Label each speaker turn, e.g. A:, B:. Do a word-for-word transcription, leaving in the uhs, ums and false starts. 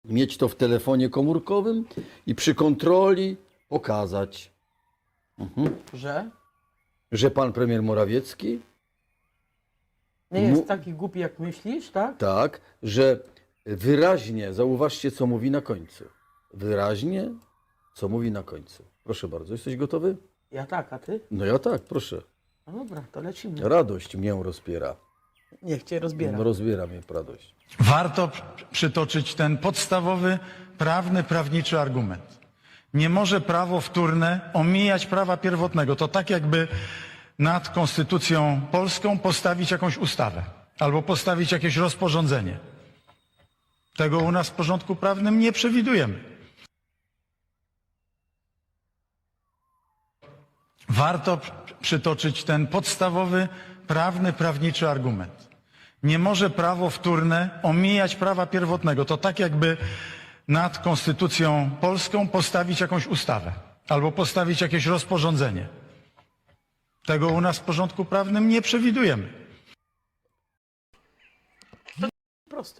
A: mieć to w telefonie komórkowym i przy kontroli pokazać, mhm.
B: Że?
A: że pan premier Morawiecki,
B: Nie jest
A: Mu-
B: taki głupi, jak myślisz, tak?
A: tak, że wyraźnie, zauważcie, co mówi na końcu. Wyraźnie, co mówi na końcu. Proszę bardzo, jesteś gotowy?
B: Ja tak, a ty?
A: No ja tak, proszę.
B: No dobra, to lecimy.
A: Radość mnie rozpiera.
B: Niech cię rozbiera.
A: No, rozbiera mnie radość.
C: Warto przytoczyć ten podstawowy, prawny, prawniczy argument. Nie może prawo wtórne omijać prawa pierwotnego. To tak jakby nad konstytucją polską postawić jakąś ustawę albo postawić jakieś rozporządzenie. Tego u nas w porządku prawnym nie przewidujemy. Warto przytoczyć ten podstawowy, prawny, prawniczy argument. Nie może prawo wtórne omijać prawa pierwotnego. To tak jakby nad konstytucją polską postawić jakąś ustawę albo postawić jakieś rozporządzenie. Tego u nas w porządku prawnym nie przewidujemy.